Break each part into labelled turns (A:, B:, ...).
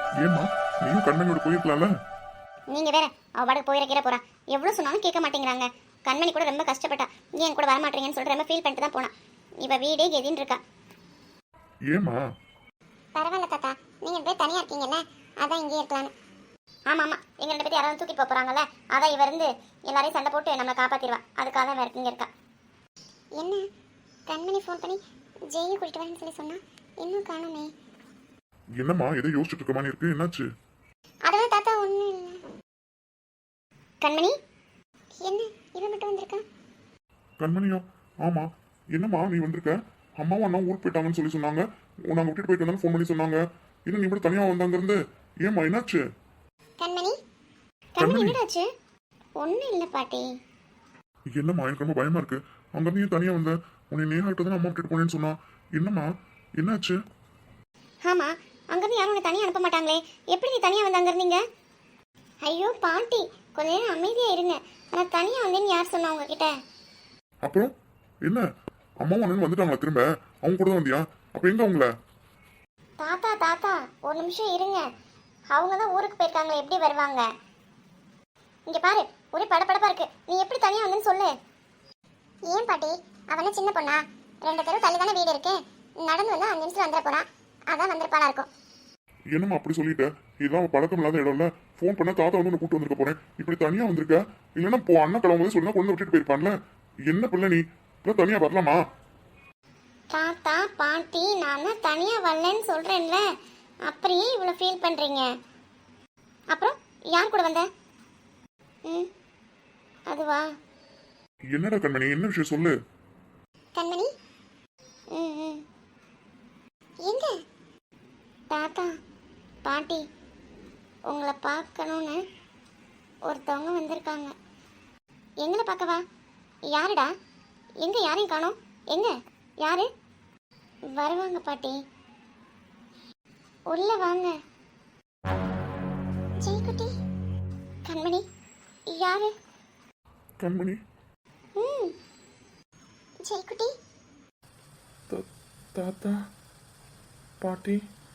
A: ஏம்மா நீயும் கண்மணியோட போயிருக்கலாம்ல?
B: நீங்க வேற அவ பாட்டுக்கு போயிட போறா. எவ்வளவு சொன்னாலும் கேட்க மாட்டேங்கிறாங்க. கண்மணி கூட ரொம்ப கஷ்டப்பட்டா. ஏன் கூட வர மாட்டீங்கன்னு சொல்லிட்டு ரொம்ப ஃபீல் பண்ணிட்டு தான் போனா. இவ வீடே கெதின்னு இருக்கா.
A: ஏம்மா?
B: பரவாயில்ல தாத்தா, நீங்க போய் தனியா இருக்கீங்கல்ல, அதான் இங்கே இருக்கலான்னு. ஆமா ஆமா, எங்க ரெண்டு பேரும் யாராவது தூக்கிட்டு போறாங்கல்ல, அதான் இவ இருந்து எல்லாரையும் சண்டை போட்டு நம்மளை காப்பாத்திடுவா. அதுக்காக தான் வேற இங்க இருக்கா. என்ன கண்மணி ஃபோன் பண்ணி ஜெயை கூட்டிட்டு வரேன்னு சொல்லி சொன்னா, இன்னும் காணுமே.
A: என்னம்மா எதை யோசிச்சுட்டு இருக்க மாதிரி இருக்கு? என்னாச்சு?
B: அதெல்லாம் தாத்தா ஒண்ணு இல்ல. கண்மணி என்ன இவ மட்டும் வந்திருக்கா?
A: கண்மணியா? ஆமா. என்னம்மா நீ வந்திருக்க? அம்மாவும் அண்ணா ஊருக்கு போயிட்டாங்கன்னு சொல்லி சொன்னாங்க. நாங்க விட்டுட்டு போயிட்டு வந்தாலும் ஃபோன் பண்ணி சொன்னாங்க. என்ன நீ மட்டும் தனியா வந்தாங்க இருந்து? ஏம்மா என்னாச்சு?
B: கண்மணி கண்மணி என்னடாச்சு? ஒண்ணு இல்ல பாட்டி.
A: என்னம்மா எனக்கு ரொம்ப பயமா இருக்கு. அங்கிருந்து நீ தனியா வந்த? உன்னை நேராகிட்ட தான் அம்மா விட்டுட்டு போனேன்னு சொன்னா. என்னம்மா என்னாச்சு?
B: ஆமா, அங்கிருந்து யாரும் உன்னை தனியா அனுப்ப மாட்டாங்களே, எப்படி நீ தனியா வந்து அங்க இருந்தீங்க? ஐயோ பாட்டி, கொஞ்ச நேரம் அமைதியா இருங்க. நான் தனியா வந்தேன்னு யார் சொன்னா உங்ககிட்ட?
A: அப்புறம் என்ன, அம்மாவும் அண்ணனும் வந்துட்டாங்களா திரும்ப? அவங்க கூட தான் வந்தியா? அப்ப எங்க அவங்கள?
B: தாத்தா தாத்தா ஒரு நிமிஷம் இருங்க. அவங்க தான் ஊருக்கு போயிருக்காங்க, எப்படி வருவாங்க? இங்க பாரு, ஒரே படபடப்பா இருக்கு. நீ எப்படி தனியா வந்தேன்னு சொல்லு. ஏன் பாட்டி, அவன சின்ன பொண்ணா? 2 தெரு தள்ளி தானே வீடு இருக்கு. நடந்து வந்தா 5 நிமிஷத்துல வந்துட போறான். அதான் வந்திருப்பாளா இருக்கும்.
A: என்னம்மா அப்படி சொல்லிட்ட? இதுதான் பழக்கம் இல்லாத இடம்ல. ஃபோன் பண்ண தாத்தா வந்து உன்னை கூட்டு வந்திருக்க போறேன். இப்படி தனியா வந்திருக்க? இல்லைன்னா போ அண்ணன் கிளம்பும்போது சொன்னா கொண்டு விட்டுட்டு போயிருப்பான்ல. என்ன பிள்ளை நீ இப்ப தனியா வரலாமா?
B: தாத்தா பாட்டி, நான் தான் தனியா வரலன்னு சொல்றேன்ல, அப்படியே இவ்வளவு ஃபீல் பண்றீங்க. அப்புறம் யார் கூட வந்த? அதுவா?
A: என்னடா கண்மணி, என்ன விஷயம் சொல்லு.
B: கண்மணி எங்க? தாத்தா பாட்டி, உங்களை பார்க்கணும்னு ஒருத்தவங்க வந்திருக்காங்க. எங்களை பார்க்கவா? யாருடா? எங்க யாரையும் காணோம். எங்க யாரு? வருவாங்க பாட்டி, உள்ள வாங்க. ஜெய்குட்டி. கண்மணி யாரு?
A: கண்மணி.
B: ஜெய்குட்டி.
A: தாத்தா பாட்டி.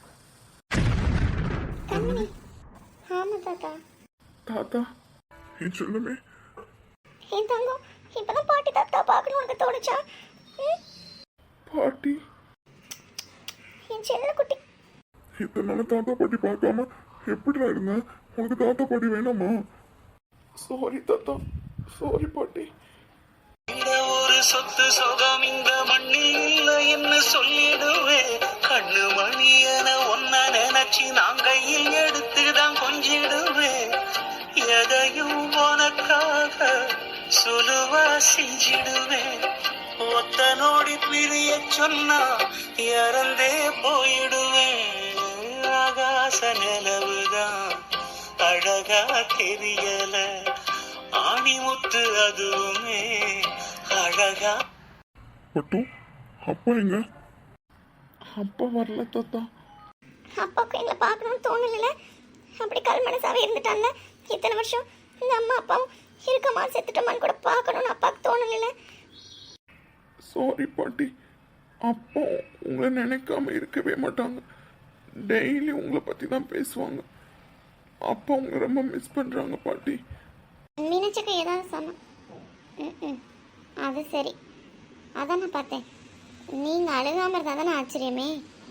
B: கண்மணி. ஆமா தாத்தா.
A: தாத்தா என் சொல்லுமே.
B: என் தங்கம், இப்பதான் பாட்டி தாத்தா பார்க்கணும் உனக்கு தோணுச்சா?
A: பாட்டி.
B: என் செல்ல குட்டி.
A: இத்தனை நாள் தாத்தா பாட்டி பார்க்காம எப்படிடா இருந்தேன்? உனக்கு தாத்தா பாட்டி வேணாமா? சாரி தாத்தா, சாரி பாட்டி.
C: ஒரு சொத்து சொகம் இந்த மண்ணில் இல்லை என்று சொல்லிடுவேன். கண்ணு மணியன ஒன்ன நினைச்சு நான் கையில் எடுத்துதான் கொஞ்சிடுவேன். எதையும் உனக்காக சுலுவா செஞ்சிடுவேன். ஒத்த நோடி பிரிய சொன்னா இறந்தே போயிடுவேன். ஆகாச நிலவுதான் அழகா தெரியல, ஆணிமுத்து அதுவுமே அழகா.
A: பட்டு அப்பா எங்க? அப்பா வரல தாத்தா.
B: அப்பாவுக்கு எங்களை பார்க்கணும்னு தோணல. அப்படி கல் மனசாவே இருந்துட்டாங்க இத்தனை வருஷம். இந்த அம்மா அப்பாவும் இருக்கமா செத்துட்டோமான்னு கூட பார்க்கணும்னு அப்பாவுக்கு தோணல.
A: சாரி பாட்டி. அப்பா உங்களை நினைக்காம இருக்கவே மாட்டாங்க. டெய்லி உங்களை பத்தி தான் பேசுவாங்க. அப்பா உங்களை ரொம்ப மிஸ் பண்றாங்க பாட்டி.
B: நினைச்சக்க ஏதாவது சொன்னோம். அது சரி, அதான் நான் பார்த்தேன். நீங்க அழுகாம இருந்தா தானே ஆச்சரியமே.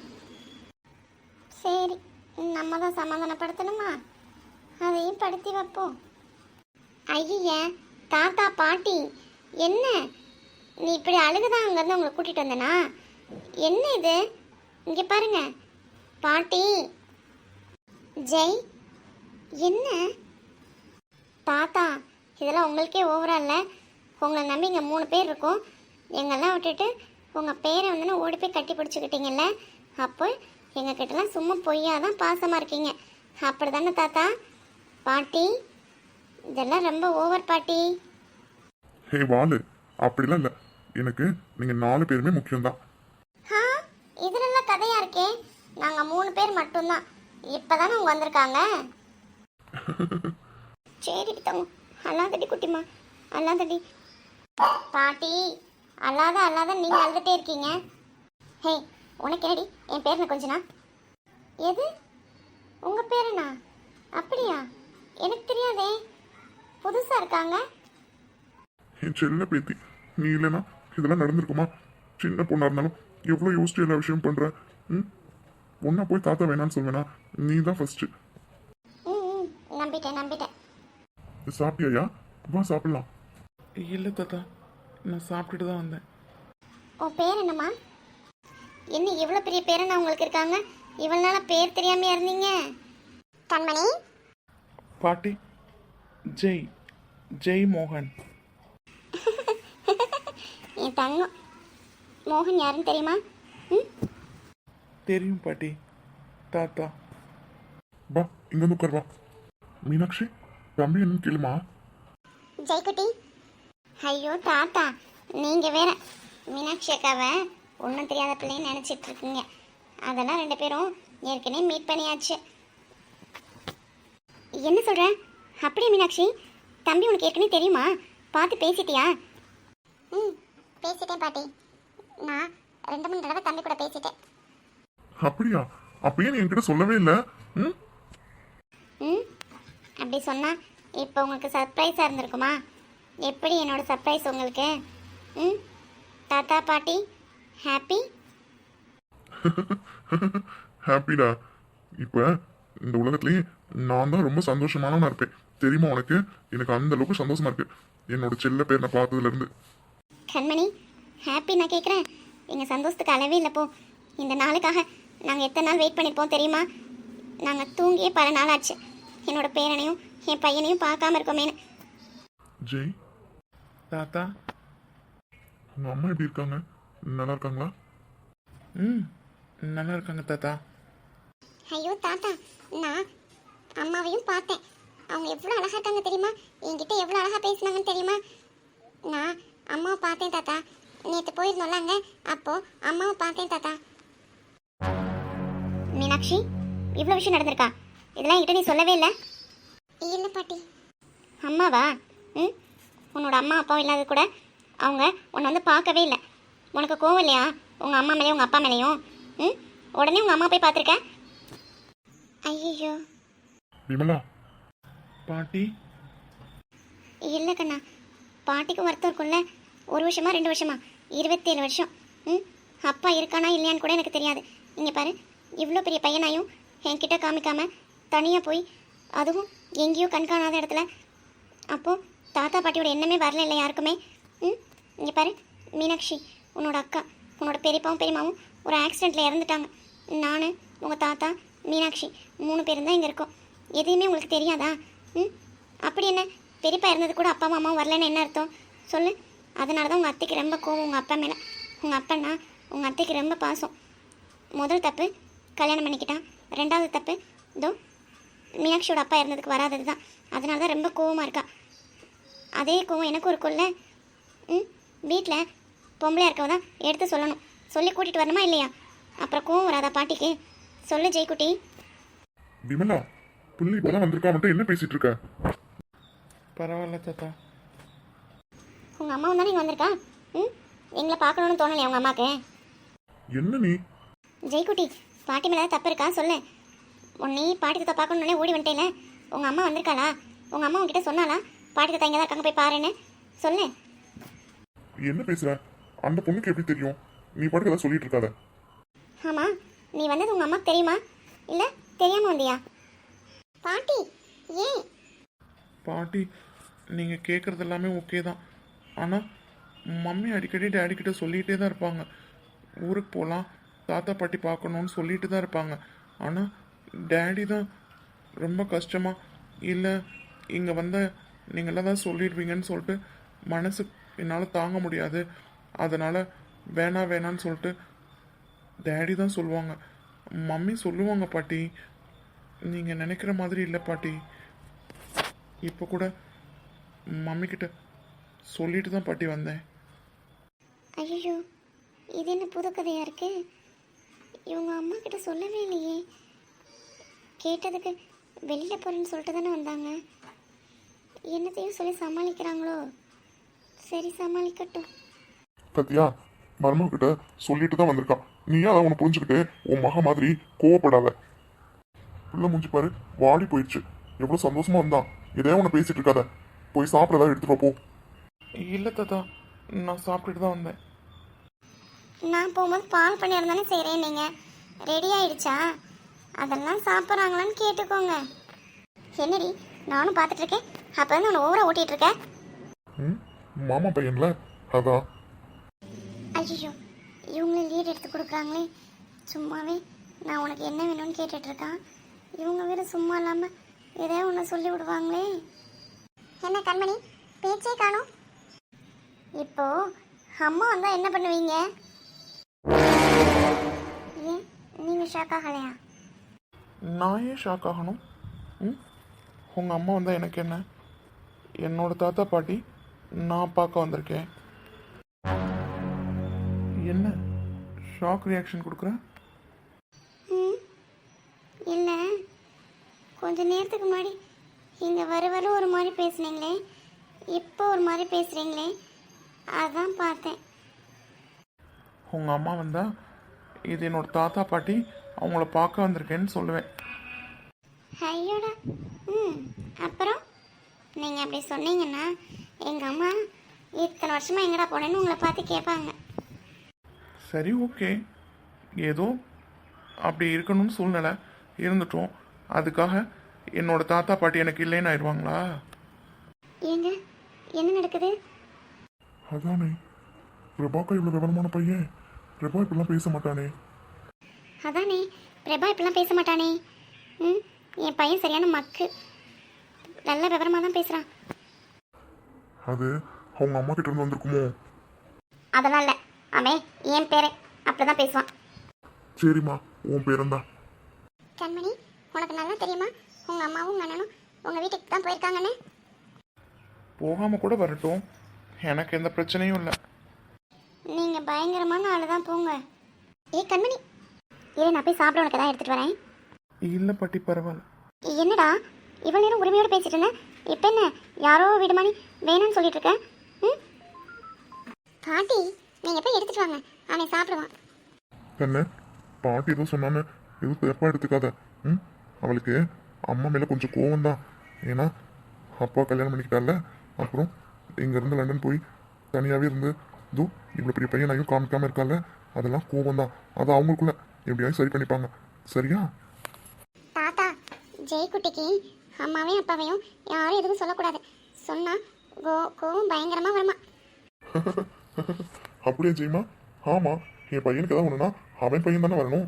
B: சரி, நம்ம தான் சமாதானப்படுத்தணுமா? அதையும் படுத்தி வைப்போம். ஐய தாத்தா பாட்டி, என்ன நீ இப்படி அழுகுதான் அங்கேருந்து உங்களை கூட்டிட்டு வந்தனா? என்ன இது? இங்க பாருங்க பாட்டி. ஜெய், என்ன தாத்தா இதெல்லாம் உங்களுக்கே ஓவரா இல்லை? உங்களை நம்பி இங்கே 3 பேர் இருக்கோம். எங்கெல்லாம் விட்டுட்டு உங்கள் பேரை வந்து ஓடி போய் கட்டி பிடிச்சிக்கிட்டீங்கல்ல, அப்போ எங்ககிட்டலாம் சும்மா பொய்யாதான் பாசமாக இருக்கீங்க. அப்படி தானே தாத்தா பாட்டி? இதெல்லாம் ரொம்ப ஓவர் பாட்டி.
A: ஹே வாலு, அப்படிலாம் இல்லை. எனக்கு நீங்கள் 4 பேருமே முக்கியம்தான்.
B: இதுலெல்லாம் கதையா இருக்கே. நாங்கள் 3 பேர் மட்டும்தான். இப்போதானே அவங்க வந்திருக்காங்க. சரி தங்க, அல்லாதடி குட்டிமா, அல்லாதடி. பாட்டி அல்லாத நீங்க அழுதுட்டே இருக்கீங்க. ஹே உனக்கு என்னடி என் பேர் கொஞ்சனா? எது உங்க பேர்? இருக்காங்க?
A: என் செல்ல பேத்தி, நீ இல்லைன்னா இதெல்லாம் நடந்திருக்குமா? சின்ன பொண்ணா இருந்தாலும் எவ்வளோ யோசிச்சு எல்லா விஷயம் பண்ற. ம் ஒன்னா போய் தாத்தா வேணான்னு சொல்வேனா? நீ தான் ஃபர்ஸ்ட்.
B: ம் நம்பிட்டேன்.
A: சாப்பிட்டியா? வா சாப்பிடலாம்.
D: இல்லை தாத்தா, நான் சாப்பிட்டுட்டு தான் வந்தேன்.
B: உன் பேர் என்னம்மா? என்ன இவ்வளோ பெரிய பேரண்ணா உங்களுக்கு இருக்காங்க? இவ்வளோ நாளாக பேர் தெரியாமையா இருந்தீங்க? கண்மணி.
D: பாட்டி, ஜெய் மோகன்.
B: என் தங்கம். மோகன் யாருன்னு தெரியுமா? ம்
D: தெரியும் பாட்டி. தாத்தா.
A: வா இங்க வந்து உட்கார். வா மீனாட்சி, தம்பி என்னன்னு கேளுமா.
B: ஜெய்குட்டி. ஐயோ தாத்தா, நீங்கள் வேற மீனாட்சி அக்காவை ஒன்றும் தெரியாத பிள்ளைன்னு நினச்சிட்டு இருக்கீங்க. அதெல்லாம் 2 பேரும் ஏற்கனவே மீட் பண்ணியாச்சு. என்ன சொல்கிற? அப்படியே மீனாட்சி, தம்பி உனக்கு ஏற்கனவே தெரியுமா? பார்த்து பேசிட்டியா? பேசிட்டேன் பாட்டி. நான் 2-3 தடவை தம்பி கூட பேசிட்டேன்.
A: அப்படியா? அப்பயே நீ என்கிட்ட சொல்லவே இல்லை. ம்
B: அப்படி சொன்னால் இப்போ உங்களுக்கு சர்ப்ரைஸாக இருந்திருக்குமா? எப்படி என்னோட சர்ப்ரைஸ் உங்களுக்கு? தாத்தா பாட்டி ஹாப்பி?
A: ஹாப்பிடா. இப்போ இந்த உலகத்துலேயே நான் தான் ரொம்ப சந்தோஷமானவனா இருப்பேன் தெரியுமா உனக்கு? எனக்கு அந்த அளவுக்கு சந்தோஷமா இருக்கு என்னோட செல்ல பேர் நான் பார்த்ததுல இருந்து.
B: கண்மணி, ஹாப்பி நான் கேட்குறேன். எங்கள் சந்தோஷத்துக்கு அளவே இல்லை. போ, இந்த நாளுக்காக நாங்கள் எத்தனை நாள் வெயிட் பண்ணியிருப்போம் தெரியுமா? நாங்கள் தூங்கியே பல நாள் ஆச்சு. என்னோட பேரனையும் என் பையனையும் பார்க்காம இருக்கோமேனு.
A: ஜெய்,
D: தாத்தா.
A: உங்க அம்மா எப்படி இருக்காங்க? நல்லா இருக்காங்களா?
D: நல்லா இருக்காங்க தாத்தா.
B: ஐயோ தாத்தா, நான் அம்மாவையும் பார்த்தேன். அவங்க எவ்வளோ அழகாக இருக்காங்க தெரியுமா? என்கிட்ட எவ்வளோ அழகாக பேசினாங்கன்னு தெரியுமா? நான் அம்மாவை பார்த்தேன் தாத்தா. நேற்று போயிருந்தோம்ல அங்கே, அப்போது அம்மாவை பார்த்தேன் தாத்தா. மீனாட்சி, இவ்வளோ விஷயம் நடந்திருக்கா? இதெல்லாம் என்கிட்ட நீ சொல்லவே இல்லை. இல்லை பாட்டி. அம்மாவா? உன்னோட அம்மா அப்பாவும் இல்லாத கூட அவங்க உன்னை வந்து பார்க்கவே இல்லை. உனக்கு கோவம் இல்லையா உங்கள் அம்மா மேலேயும் உங்கள் அப்பா மேலேயும்? உடனே உங்கள் அம்மா போய் பார்த்துருக்க. ஐயோ
A: விமலா.
D: பாட்டி.
B: இல்லை கண்ணா, பாட்டிக்கும் வருத்தம் இருக்கும்ல. 1 வருஷமா 2 வருஷமா 27 வருஷம். அப்பா இருக்கானா இல்லையான்னு கூட எனக்கு தெரியாது. இங்கே பாரு, இவ்வளோ பெரிய பையனாயும் என்கிட்ட காமிக்காம தனியாக போய், அதுவும் எங்கேயோ கண்காணாத இடத்துல. அப்போது தாத்தா பாட்டியோட எண்ணமே வரல இல்லை யாருக்குமே. இங்கே பாரு மீனாட்சி, உன்னோட அக்கா, உன்னோட பெரியப்பாவும் பெரியம்மாவும் ஒரு ஆக்சிடெண்ட்டில் இறந்துட்டாங்க. நான், உங்கள் தாத்தா, மீனாட்சி 3 பேரும் தான் இங்கே இருக்கோம். எதையுமே உங்களுக்கு தெரியாதா? அப்படி என்ன, பெரியப்பா இருந்தது கூட அப்பா அம்மாவும் வரலன்னு என்ன அர்த்தம் சொல்லு? அதனால தான் உங்கள் அத்தைக்கு ரொம்ப கோவம் உங்கள் அப்பா மேலே. உங்கள் அப்பன்னா உங்கள் அத்தைக்கு ரொம்ப பாசம். முதல் தப்பு கல்யாணம் பண்ணிக்கிட்டான். 2வது தப்பு இதோ மீனாட்சியோட அப்பா இருந்ததுக்கு வராதது தான். அதனால தான் ரொம்ப கோவமாக இருக்கா. அதே கோவம் எனக்கும் இருக்கும்ல. வீட்டில் பொம்பளையாக இருக்கவ தான் எடுத்து சொல்லணும். சொல்லி கூட்டிகிட்டு வரணுமா இல்லையா? அப்புறம் கோவம் வராதா பாட்டிக்கு? சொல்லு ஜெய்குட்டி.
A: விமலா, புள்ளி இப்பதான் வந்திருக்கா, மட்டும் என்ன பேசிட்டு இருக்க?
D: பரவாயில்ல தாத்தா.
B: உங்கள் அம்மாவும் தானே இங்கே வந்திருக்கா? எங்களை பார்க்கணுன்னு தோணலையா உங்கள் அம்மாவுக்கு?
A: என்ன நீ?
B: ஜெய்குட்டி, பாட்டி மேலே தப்பு இருக்கா சொல்லு. உன்னை பாட்டி தத்தா பார்க்கணுன்னே ஓடி வந்துட்டேல. உங்கள் அம்மா வந்திருக்காளா? உங்கள் அம்மா உங்ககிட்ட சொன்னாலா பாட்டி தத்தா இங்கே தான் இருக்காங்க போய் பாருன்னு? சொல்லு.
A: என்ன பேசுற? அந்த பொண்ணுக்கு எப்படி தெரியும்? நீ பாட்டுக்கு ஏதாவது சொல்லிட்டு இருக்காத.
B: ஆமாம், நீ வந்தது உங்கள் அம்மாவுக்கு தெரியுமா இல்லை தெரியாமல் வந்தியா? பாட்டி ஏன்?
D: பாட்டி, நீங்கள் கேட்குறது எல்லாமே ஓகே தான். ஆனால் மம்மி அடிக்கடி டேடி கிட்ட சொல்லிகிட்டே தான் இருப்பாங்க. ஊருக்கு போகலாம், தாத்தா பாட்டி பார்க்கணுன்னு சொல்லிட்டு தான் இருப்பாங்க. ஆனால் டேடி தான் ரொம்ப கஷ்டமாக, இல்லை இங்கே வந்த நீங்களாம் தான் சொல்லிடுவீங்கன்னு சொல்லிட்டு மனசு என்னால் தாங்க முடியாது, அதனால் வேணான்னு சொல்லிட்டு டேடி தான் சொல்லுவாங்க. மம்மி சொல்லுவாங்க பாட்டி, நீங்கள் நினைக்கிற மாதிரி இல்லை பாட்டி. இப்போ கூட மம்மிக்கிட்ட சொல்லிட்டு தான் பாட்டி வந்தேன்.
B: ஐயோ, இது என்ன புது கதையாக இருக்கு? இவங்க அம்மா கிட்ட சொல்லவே இல்லையே. கேட்டதுக்கு வெளியில் போகிறேன்னு சொல்லிட்டு தானே வந்தாங்க. என்னத்தையும் சொல்லி சமாளிக்கிறாங்களோ? சரி, சமாளிக்கட்டும்.
A: பத்தியா, மருமக கிட்ட சொல்லிட்டு தான் வந்திருக்கான். நீயா அதை உன்னை புரிஞ்சுக்கிட்டு உன் மக மாதிரி கோவப்படாத. பிள்ளை மூஞ்சி பாரு, வாடி போயிடுச்சு. எவ்வளவு சந்தோஷமா இருந்தான். எதையா உன்னை பேசிட்டு இருக்காத. போய் சாப்பிட ஏதாவது எடுத்துட்டு வா போ.
D: இல்லை தாத்தா, நான் சாப்பிட்டுட்டு தான் வந்தேன்.
B: நான் போகும்போது பால் பணியாரம் தானே செய்கிறேன், நீங்கள் ரெடி ஆயிடுச்சா? அதெல்லாம் சாப்பிட்றாங்களான்னு கேட்டுக்கோங்க. என்னடி நானும் பார்த்துட்ருக்கேன், அப்போ வந்து உன்னை ஓவராக ஓட்டிகிட்ருக்கேன்.
A: ம், மாமா பையன்ல அதான்.
B: ஐயோ, இவங்களே லீட் எடுத்து கொடுக்குறாங்களே. சும்மாவே நான் உனக்கு என்ன வேணும்னு கேட்டுட்ருக்கான், இவங்க வேறு சும்மா இல்லாமல் ஏதோ ஒன்று சொல்லி விடுவாங்களே. என்ன கண்மணி பேச்சே காணோம்? இப்போ அம்மா வந்தால் என்ன பண்ணுவீங்க? ஏன் நீங்கள் ஷாக் ஆகலையா?
D: நான் ஏன் ஷாக் ஆகணும்? ம், உங்கள் அம்மா வந்தால் எனக்கு என்ன? என்னோட தாத்தா பாட்டி நான் பார்க்க வந்திருக்கேன். என்ன ஷாக் ரியாக்ஷன் கொடுக்குறேன்?
B: இல்லை, கொஞ்ச நேரத்துக்கு முன்னாடி இங்கே வர ஒரு மாதிரி பேசுனீங்களே, இப்போ ஒரு மாதிரி பேசுகிறீங்களே, அதான் பார்த்தேன்.
D: உங்கள் அம்மா வந்தால் இது என்னோட தாத்தா பாட்டி அவங்கள பார்க்க வந்திருக்கேன்னு சொல்லுவேன்.
B: ஐயோடா. அப்புறம் நீங்கள் அப்படி சொன்னீங்கன்னா எங்கள் அம்மா இத்தனை வருஷமாக எங்கடா போனேன்னு உங்களை பார்த்து கேட்பாங்க.
D: சரி, ஓகே, ஏதோ அப்படி இருக்கணும்னு சூழ்நிலை இருந்துட்டோம், அதுக்காக என்னோட தாத்தா பாட்டி எனக்கு இல்லைன்னு ஆயிடுவாங்களா?
B: ஏங்க என்ன நடக்குது?
A: அதானே, பிரபாக்கா இவ்வளோ விவரமான பையன், பிரபா இப்படிலாம் பேச மாட்டானே.
B: அதானே, பிரபா இப்படிலாம் பேச மாட்டானே. என் பையன் சரியான மக்கு, நல்ல விவரமாக தான் பேசுகிறான்.
A: அது அவங்க அம்மா கிட்ட இருந்து வந்திருக்குமோ?
B: அதெல்லாம் இல்லை, அவன் என் பேரை அப்படி தான் பேசுவான்.
A: சரிம்மா, உன் பேரந்தா.
B: கண்மணி, உனக்கு நல்லா தெரியுமா உங்கள் அம்மாவும் உங்கள் அண்ணனும் உங்கள் வீட்டுக்கு தான் போயிருக்காங்கன்னு?
D: போகாமல் கூட வரட்டும், எனக்கு எந்த பிரச்சனையும் இல்லை.
B: நீங்கள் பயங்கரமான ஆள் தான், போங்க. கண்மணி, இதை நான் போய் சாப்பிட உனக்கு தான் எடுத்துகிட்டு வரேன்.
D: இல்லை பாட்டி, பரவாயில்ல.
B: என்னடா இவ்வளோ நேரம் உரிமையோடு பேசிட்டு இருந்தேன், இப்போ என்ன யாரோ வீடுமானி வேணும்னு சொல்லிட்டு இருக்கேன்? பாட்டி நீங்கள் போய் எடுத்துகிட்டு வாங்க, அவன் சாப்பிடுவான்.
A: என்ன பாட்டி ஏதோ சொன்னான்னு எதுவும் தப்பா எடுத்துக்காத. அவளுக்கு அம்மா மேலே கொஞ்சம் கோவம் தான். ஏன்னா அப்பா கல்யாணம் பண்ணிக்கிட்டால, அப்புறம் இங்கேருந்து லண்டன் போய் தனியாகவே இருந்து இதோ இவ்வளோ பெரிய பையனையும் காமிக்காமல் இருக்கால, அதெல்லாம் கோவம் தான். அதை அவங்களுக்குள்ள எப்படியாவது சரி பண்ணிப்பாங்க, சரியா?
B: தாத்தா, ஜெய்குட்டிக்கு அம்மாவையும் அப்பாவையும் யாரும் எதுவும் சொல்லக்கூடாது, சொன்னால் கோவம் பயங்கரமாக வருமா?
A: அப்படியே ஜெய்மா? ஆமாம், என் பையனுக்கு ஏதாவது ஒன்றுனா அவன் பையன் தானே வரணும்.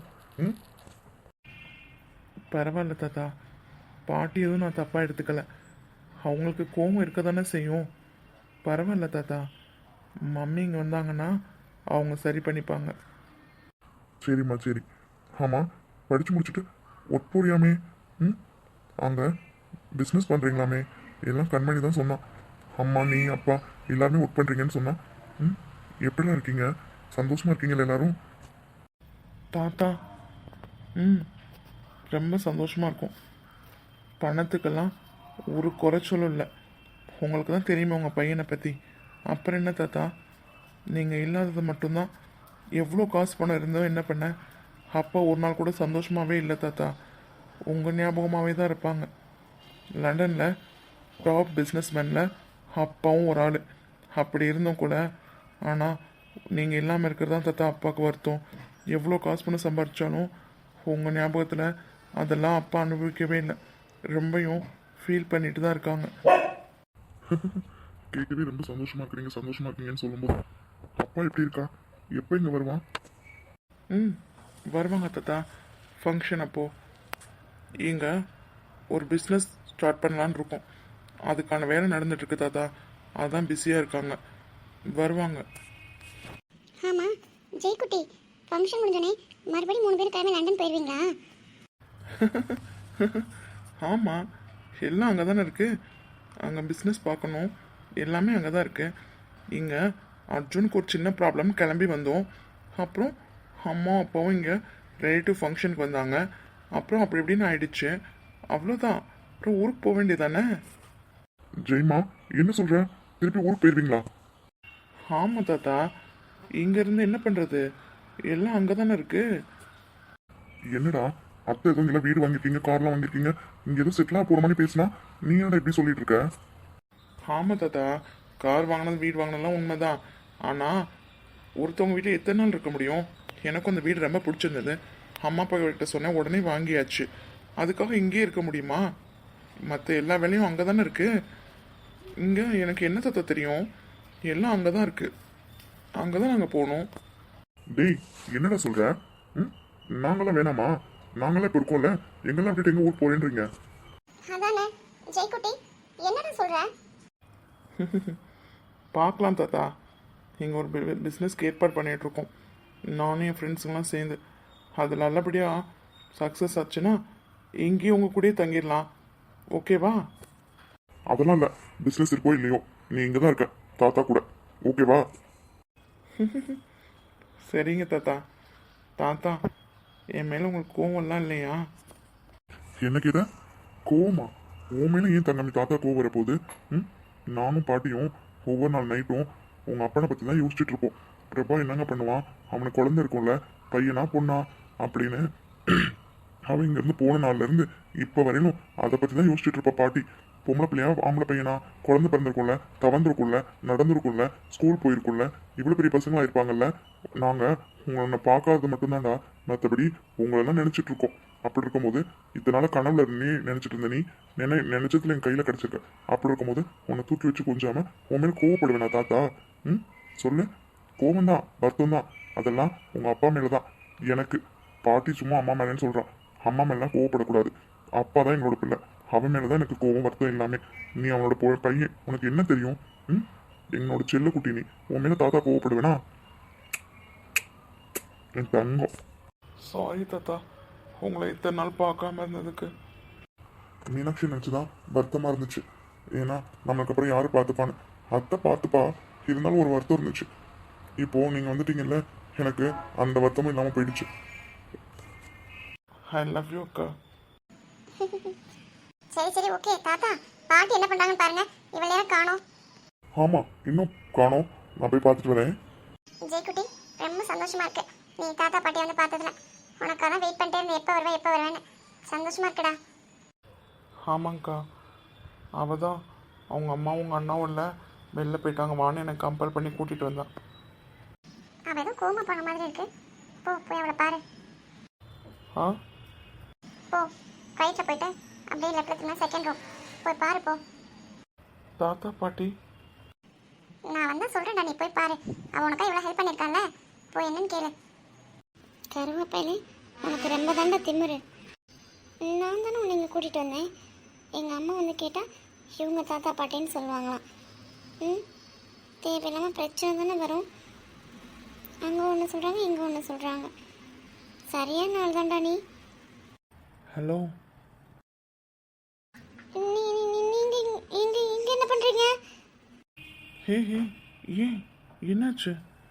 D: பரவாயில்ல தாத்தா, பாட்டி எதுவும் நான் தப்பாக எடுத்துக்கல, அவங்களுக்கு கோவம் இருக்க தானே செய்யும். பரவாயில்ல தாத்தா, மம்மி இங்கே வந்தாங்கன்னா அவங்க சரி பண்ணிப்பாங்க.
A: சரிம்மா, சரி. ஆமாம், படித்து முடிச்சுட்டு ஒர்க் போறியாமே? அங்கே பிஸ்னஸ் பண்ணுறீங்களாமே? எல்லாம் கண்மணி தான் சொன்னான். அம்மா, நீ, அப்பா எல்லாருமே ஒர்க் பண்ணுறீங்கன்னு சொன்னான். எப்படிலாம் இருக்கீங்க? சந்தோஷமாக இருக்கீங்களா எல்லாரும்?
D: தாத்தா, ரொம்ப சந்தோஷமாக இருக்கும். பணத்துக்கெல்லாம் ஒரு குறைச்சலும் இல்லை. உங்களுக்கு தான் தெரியுமா உங்கள் பையனை பற்றி. அப்புறம் என்ன தாத்தா, நீங்கள் இல்லாதது மட்டும்தான். எவ்வளோ காசு பணம் இருந்தோ என்ன பண்ண, அப்பா ஒரு நாள் கூட சந்தோஷமாகவே இல்லை தாத்தா. உங்கள் ஞாபகமாகவே தான் இருப்பாங்க. லண்டனில் டாப் பிஸ்னஸ்மேனில் அப்பாவும் ஒரு ஆள். அப்படி இருந்தும் கூட, ஆனால் நீங்கள் இல்லாமல் இருக்கிறது தான் தாத்தா அப்பாவுக்கு வருத்தம். எவ்வளோ காசு பணம் சம்பாதிச்சாலும் உங்கள் ஞாபகத்தில் அதெல்லாம் அப்பா அனுபவிக்கவே இல்லை. ரொம்பவும் ஃபீல் பண்ணிட்டு தான் இருக்காங்க.
A: கேட்கவே ரொம்ப சந்தோஷமா இருக்கீங்கன்னு சொல்லும்போது அப்பா எப்படி இருக்கா? எப்போ இங்கே வருவான்?
D: வருவாங்க தாத்தா. ஃபங்க்ஷன் அப்போது இங்கே ஒரு பிஸ்னஸ் ஸ்டார்ட் பண்ணலான்னு இருக்கோம். அதுக்கான வேலை நடந்துட்டுருக்கு தாத்தா. அதான் பிஸியாக இருக்காங்க, வருவாங்க.
B: ஆமாம் ஜெய்குட்டி, ஃபங்க்ஷன் முடிஞ்சோடனே மறுபடியும் 3 பேர் கிளம்பி லண்டன் போயிடுவீங்களா?
D: ஆமாம், எல்லாம் அங்கே தானே இருக்குது. அங்கே பிஸ்னஸ் பார்க்கணும், எல்லாமே அங்கே தான் இருக்குது. இங்கே அர்ஜுனுக்கு ஒரு சின்ன ப்ராப்ளம், கிளம்பி வந்தோம். அப்புறம் அம்மா அப்பாவும் இங்கே ரிலேட்டிவ் ஃபங்க்ஷனுக்கு வந்தாங்க. அப்புறம் அப்படி இப்படின்னு ஆயிடுச்சு, அவ்வளோதான். அப்புறம் ஊருக்கு போக வேண்டியதானே.
A: ஜெய்மா, என்ன சொல்ற? திருப்பி ஊருக்கு போயிருவீங்களா?
D: ஆமாம் தாத்தா, இங்கேருந்து என்ன பண்ணுறது, எல்லாம் அங்கே தானே இருக்குது.
A: என்னடா அத்தை எதுவும் இல்லை, வீடு வாங்கியிருக்கீங்க, கார்லாம் வாங்கியிருக்கீங்க, இங்கே எதுவும் செட்டிலாக போகிற மாதிரி பேசினா நீ என்னடா இப்படி சொல்லிட்டு இருக்க?
D: ஆமாம் தாத்தா, கார் வாங்கினது வீடு வாங்கினதுலாம் உண்மைதான். ஆனால் ஒருத்தவங்க வீட்டில் எத்தனை நாள் இருக்க முடியும்? எனக்கும் அந்த வீடு ரொம்ப பிடிச்சிருந்தது. அம்மா அப்பா கிட்ட சொன்னேன், உடனே வாங்கியாச்சு. அதுக்காக இங்கேயே இருக்க முடியுமா? மற்ற எல்லா வேலையும் அங்கே தானே இருக்குது. இங்கே எனக்கு என்ன தாத்தா தெரியும்? எல்லாம் அங்கே தான் இருக்குது. அங்கே தான் நாங்கள் போகணும்.
A: டேய், என்னடா சொல்ற? ம், நாங்களாம் வேணாமா? நாங்களாம் இப்போ இருக்கோம்ல, எங்கெல்லாம் விட்டுட்டு எங்க ஊர் போறேன்றீங்க?
B: அதானே ஜெய்குட்டி, என்னடா சொல்ற?
D: பார்க்கலாம் தாத்தா. இங்கே ஒரு பிஸ்னஸ்க்கு ஏற்பாடு பண்ணிகிட்ருக்கோம், நானும் என் ஃப்ரெண்ட்ஸுங்களாம் சேர்ந்து. அது நல்லபடியாக சக்ஸஸ் ஆச்சுன்னா இங்கேயும் உங்கள் கூடயே தங்கிடலாம். ஓகேவா?
A: அதெல்லாம் இல்லை, பிஸ்னஸ் இருக்கோ இல்லையோ, நீ இங்கே தான் இருக்க தாத்தா கூட. ஓகேவா?
D: சரிங்க தாத்தா. தாத்தா, என் மேலே உங்களுக்கு கோவம்லாம் இல்லையா?
A: என்ன கேட்ட? கோவமா? உன் மேலே ஏன் தங்கமி தாத்தா கோவம் வரப்போகுது? ம், நானும் பாட்டியும் ஒவ்வொரு நாள் நைட்டும் உங்க அப்பனை பற்றி தான் யோசிச்சுட்டு இருப்போம். பிரபா என்னங்க பண்ணுவான், அவனுக்கு குழந்தை இருக்கும்ல, பையனா பொண்ணா அப்படின்னு. அவன் இங்கேருந்து போன நாள்லேருந்து இப்போ வரையிலும் அதை பற்றி தான் யோசிச்சுட்டு இருப்பா பாட்டி. பொம்பளை பிள்ளையா ஆம்பளை பையனா, குழந்தை பிறந்திருக்கும்ல, தவந்திருக்கும்ல, நடந்திருக்கும்ல, ஸ்கூல் போயிருக்கும்ல, இவ்வளோ பெரிய பசங்களா இருப்பாங்கல்ல. நாங்கள் உங்களை பார்க்காதது மட்டும்தான்டா, மற்றபடி உங்களெல்லாம் நினச்சிட்டு இருக்கோம். அப்படி இருக்கும்போது இதனால கனவுல நீ நினச்சிட்டு இருந்த நீ நினைச்சதுல என் கையில் கிடச்சிருக்க. அப்படி இருக்கும்போது உன்னை தூக்கி வச்சு கொஞ்சாம உன் மேலே கோவப்படுவேனா தாத்தா? ம், சொல்லு. கோவம் தான், வருத்தம் தான், அதெல்லாம் உங்கள் அப்பா மேலே தான். எனக்கு பாட்டி சும்மா அம்மா மேலேன்னு சொல்கிறான். அம்மா மேலாம் கோவப்படக்கூடாது. அப்பா தான் என்னோட பிள்ளை, அவன் மேலே தான் எனக்கு கோவம் வருத்தம் எல்லாமே. நீ அவனோட பையன், உனக்கு என்ன தெரியும்? ம், என்னோட செல்ல குட்டி நீ, உன் மேலே தாத்தா கோவப்படுவேனா? என் தங்கம்.
D: சாரி தாத்தா, உங்களை இத்தனை நாள் பார்க்காம இருந்ததுக்கு.
A: மீனாட்சி நினச்சிதான் வருத்தமாக இருந்துச்சு. ஏன்னா நம்மளுக்கு அப்புறம் யார் பார்த்துப்பான்னு. அத்தை பார்த்துப்பா, இருந்தாலும் ஒரு வருத்தம் இருந்துச்சு. இப்போது நீங்கள் வந்துட்டீங்கல்ல, எனக்கு அந்த வருத்தமும் இல்லாமல் போயிடுச்சு.
D: ஐ லவ் யூ அக்கா.
B: சரி சரி ஓகே தாத்தா, பாட்டி என்ன பண்றாங்கன்னு பாருங்க. இவளையா காணோம்.
A: ஆமாம், இன்னும் காணோம். நான் போய் பார்த்துட்டு வரேன்.
B: ஜெய்குட்டி, ரொம்ப சந்தோஷமா இருக்கு நீ தாத்தா பாட்டி வந்து பார்த்ததுல. உனக்காக வெயிட் பண்ணிட்டே இருந்தேன், எப்போ வருவேன்னு. சந்தோஷமா இருக்குடா.
D: ஆமாங்க்கா, அவள் தான் அவங்க அம்மாவும் உங்கள் அண்ணாவும் இல்லை, வெளில போயிட்டாங்க, வான்னு எனக்கு கம்பல் பண்ணி கூட்டிகிட்டு வந்தான்.
B: அவ ஏதோ கோமா பண்ண மாதிரி இருக்கு. போய் அவளை பாரு.
D: ஆ,
B: போ, ரைட்டில் போயிட்டு அப்படியே லெஃப்டில் திரும்ப செகண்ட் ரூம் போய் பாரு. போ,
D: தாத்தா பாட்டி.
B: நான் வந்தால் சொல்கிறேன்டா, நீ போய் பாரு. அவன் உனக்கா இவ்வளோ ஹெல்ப் பண்ணியிருக்கான்ல, போய் என்னன்னு கேளு. கருவாப்பையிலே உனக்கு ரொம்ப தாண்டா திமிரு. நான் தானே உன்னை இங்கே கூட்டிகிட்டு வந்தேன். எங்கள் அம்மா வந்து கேட்டால் இவங்க தாத்தா பாட்டின்னு சொல்லுவாங்களாம். ம், தேவையில்லாமல் பிரச்சனை தானே வரும். அங்கே ஒன்று சொல்கிறாங்க, இங்கே ஒன்று சொல்கிறாங்க. சரியான நாள் தான்டா நீ.
D: ஹலோ.
B: இங்கே என்ன பண்ணுறீங்க?
D: ஹே ஹே, ஏன் என்னாச்சு?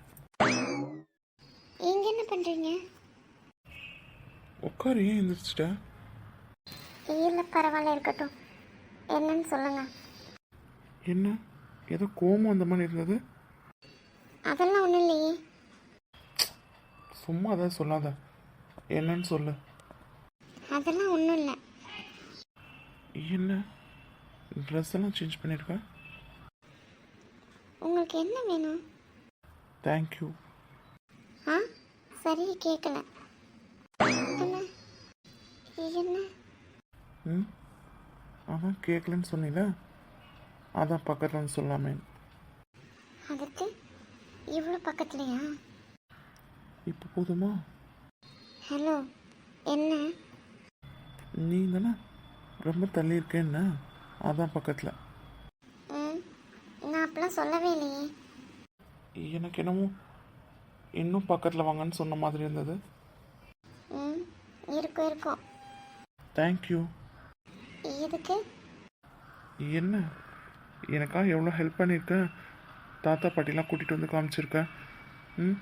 B: இங்கே என்ன பண்ணுறீங்க?
D: உட்காரு, ஏன் எந்திரிச்சிட்ட?
B: இல்லை பரவாயில்ல, இருக்கட்டும். என்னன்னு சொல்லுங்கள்.
D: என்ன, ஏதோ கோவம் அந்த மாதிரி இருந்தது?
B: அதெல்லாம் ஒன்றும் இல்லையே.
D: சும்மா அதை சொல்லாத, என்னன்னு சொல்லு.
B: அதெல்லாம் ஒன்றும் இல்லை.
D: என்ன, ட்ரெஸ் எல்லாம் சேஞ்ச் பண்ணியிருக்க?
B: உங்களுக்கு என்ன வேணும்?
D: தேங்க்யூ.
B: ஆ, சரி, கேட்கல. என்ன என்ன?
D: ம், அதான் கேட்கலன்னு சொன்னீல, அதான் பக்கத்தில் வந்து சொல்லாமே.
B: அதுக்கு இவ்வளோ பக்கத்துலையா?
D: இப்போ போதுமா?
B: ஹலோ, என்ன?
D: நீ தானே ரொம்ப தள்ளி இருக்கேன்னா, அதான் பக்கத்தில்.
B: ம், நான் அப்பெல்லாம் சொல்லவே இல்லையே.
D: எனக்கு என்னமோ இன்னும் பக்கத்தில் வாங்கன்னு சொன்ன மாதிரி இருந்தது.
B: ம், இருக்கும்.
D: தேங்க்யூ.
B: எதுக்கு?
D: என்ன, எனக்காக எவ்வளோ ஹெல்ப் பண்ணியிருக்கேன், தாத்தா பாட்டிலாம் கூட்டிகிட்டு வந்து காமிச்சிருக்கேன். ம்,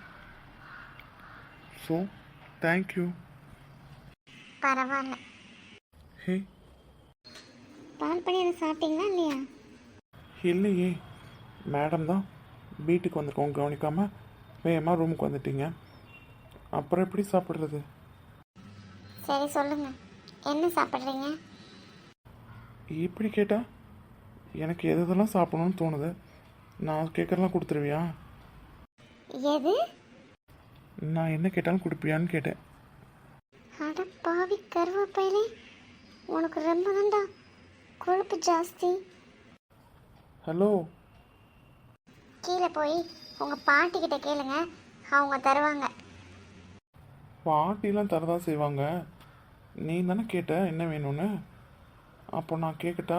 D: ஸோ தேங்க்யூ.
B: பரவாயில்ல.
D: ஹே,
B: பால் பண்ணி என்ன சாப்பிட்டீங்களா இல்லையா?
D: இல்லையே, மேடம் தான் வீட்டுக்கு வந்திருக்கோம் கவனிக்காமல் வேகமாக ரூமுக்கு வந்துட்டீங்க, அப்புறம் எப்படி சாப்பிட்றது?
B: சரி சொல்லுங்க, என்ன சாப்பிட்றீங்க?
D: இப்படி கேட்டா எனக்கு எது எதெல்லாம் சாப்பிடணும்னு தோணுது நான் கேட்குறலாம் கொடுத்துருவியா?
B: எது?
D: நான் என்ன கேட்டாலும் கொடுப்பியான்னு கேட்டேன்.
B: அட பாவி கருவேப்பிலை, உனக்கு ரொம்ப தான்டா கொழுப்பு ஜாஸ்தி.
D: ஹலோ,
B: கீழே போய் உங்கள் பாட்டிக்கிட்ட கேளுங்க, அவங்க தருவாங்க.
D: பாட்டிலாம் தரதான் செய்வாங்க. நீ தானே கேட்ட என்ன வேணும்னு, அப்போ நான் கேட்கட்டா?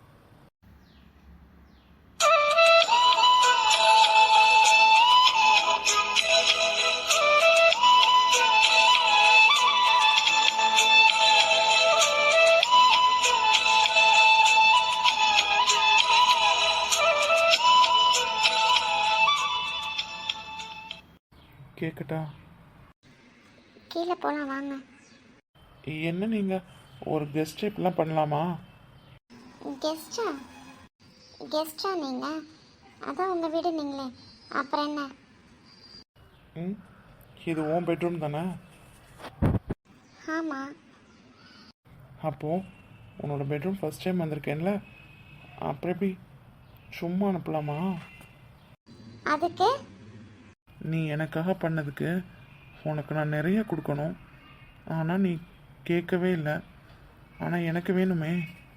D: கேட்கட்டா?
B: கீழே போகலாம் வாங்க.
D: என்ன நீங்கள் ஒரு கெஸ்ட் இப்படிலாம் பண்ணலாமா?
B: கெஸ்டா? கெஸ்டா நீங்கள்? அதான் உங்கள் வீடு நீங்களே, அப்புறம் என்ன?
D: ம், இது உன் பெட்ரூம் தானே?
B: ஆமாம்.
D: அப்போது உன்னோட பெட்ரூம் ஃபஸ்ட் டைம் வந்திருக்கேன்ல, அப்புறம் எப்படி சும்மா அனுப்பலாமா?
B: அதுக்கு
D: நீ எனக்காக பண்ணதுக்கு உனக்கு நான் நிறைய கொடுக்கணும். ஆனால் நீ கேட்கவே இல்லை. ஆனால் எனக்கு வேணுமே.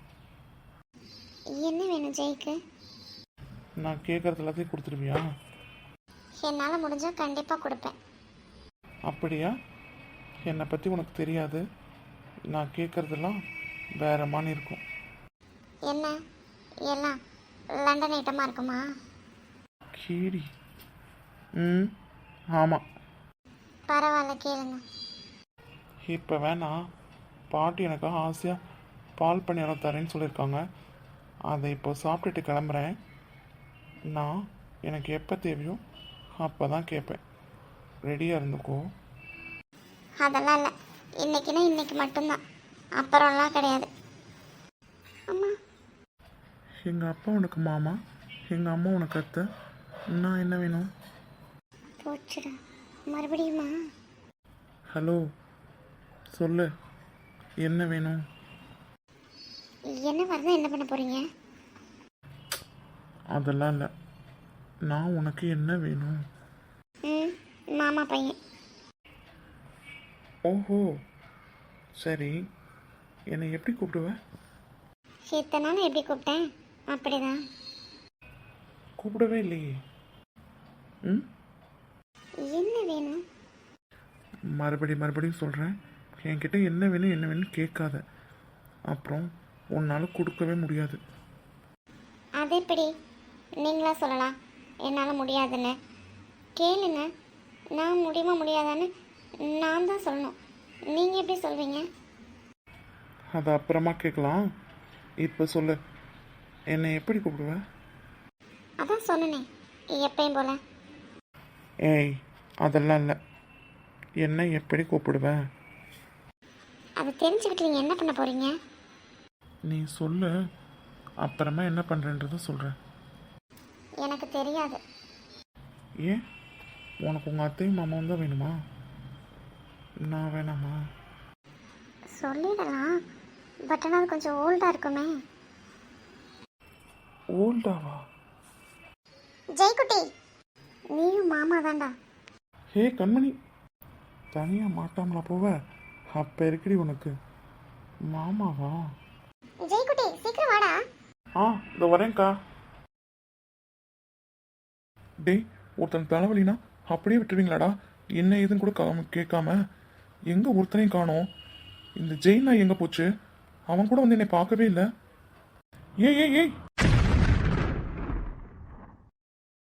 B: என்ன வேணும் ஜெய்க்கு?
D: நான் கேட்குறது எல்லாத்தையும் கொடுத்துருவியா?
B: என்னால் முடிஞ்சால் கண்டிப்பாக கொடுப்பேன்.
D: அப்படியா? என்னை பற்றி உனக்கு தெரியாது. நான் கேட்குறதெல்லாம் வேற மாதிரி இருக்கும்.
B: என்ன எல்லாம் லண்டன் ஐட்டமாக இருக்குமா?
D: கீடி. ம், ஆமாம்.
B: பரவாயில்ல, கேளுங்க.
D: இப்போ வேணாம். பாட்டி எனக்காக ஆசையாக பால் பணியாரம் தரேன்னு சொல்லியிருக்காங்க. அதை இப்போ சாப்பிட்டுட்டு கிளம்புறேன். நான் எனக்கு எப்போ தேவையோ அப்போ தான் கேட்பேன். ரெடியாக இருந்துக்கோ.
B: அதெல்லாம் இல்லை, இன்னைக்குன்னா இன்னைக்கு மட்டும்தான், அப்புறம்லாம் கிடையாது. அம்மா,
D: எங்கள் அப்பா உனக்கு மாமா, எங்கள் அம்மா உனக்கு அத்தை. நான் என்ன வேணும்?
B: போச்சுடா, மறுபடியுமா?
D: ஹலோ, சொல்லு, என்ன வேணும்?
B: என்ன வரதான் என்ன பண்ண போகிறீங்க?
D: அதெல்லாம் இல்லை. நான் உனக்கு என்ன வேணும்?
B: ம், மாமா பையன்.
D: ஓஹோ, சரி. என்னை எப்படி கூப்பிடுவ?
B: இத்தனை நாள் எப்படி கூப்பிட்டேன் அப்படிதான்.
D: கூப்பிடவே இல்லையே. ம்,
B: என்ன வேணும்?
D: மறுபடியும் சொல்கிறேன். என்கிட்ட என்ன வேணும்னு கேட்காத. அப்புறம் உன்னால் கொடுக்கவே முடியாது.
B: அது எப்படி நீங்களா சொல்லலாம் என்னால் முடியாதுன்னு? கேளுங்க, நான் முடியுமா முடியாதான்னு நான் தான் சொல்லணும், நீங்கள் எப்படி சொல்வீங்க?
D: அதை அப்புறமா கேட்கலாம். இப்போ சொல்லு, என்னை எப்படி கூப்பிடுவ?
B: அதான் சொன்னனே, எப்பயும் போல.
D: ஏய், அதெல்லாம் இல்லை. என்ன எப்படி கூப்பிடுவேன்?
B: அதை தெரிஞ்சுக்கிட்டு நீங்கள் என்ன பண்ண போகிறீங்க?
D: நீ சொல்லு, அப்புறமா என்ன பண்ணுறேன்றத சொல்கிறேன்.
B: எனக்கு தெரியாது.
D: ஏன்? உனக்கு உங்கள் அத்தையும் மாமாவும் தான் வேணுமா? நான் வேணாமா?
B: சொல்லிடலாம், பட் ஆனால் அது கொஞ்சம் ஓல்டாக இருக்குமே.
D: ஓல்டாவா?
B: ஜெய்குட்டி, நீயும் மாமா தான்டா.
D: ஹே கண்மணி, தனியாக மாட்டாமலா போவ? அப்போ இருக்கடி உனக்கு மாமாவா?
B: ஜெய்குட்டி, சீக்கிரம் வாடா.
D: ஆ, இதோ வரேன்க்கா. டேய், ஒருத்தன் தலைவலினா அப்படியே விட்டுருவீங்களாடா? என்ன ஏதுன்னு கூட கேட்காம. எங்கே ஒருத்தனையும் காணோம். இந்த ஜெயினா எங்கே போச்சு? அவன் கூட வந்து என்னை பார்க்கவே இல்லை. ஏய் ஏய் ஏய்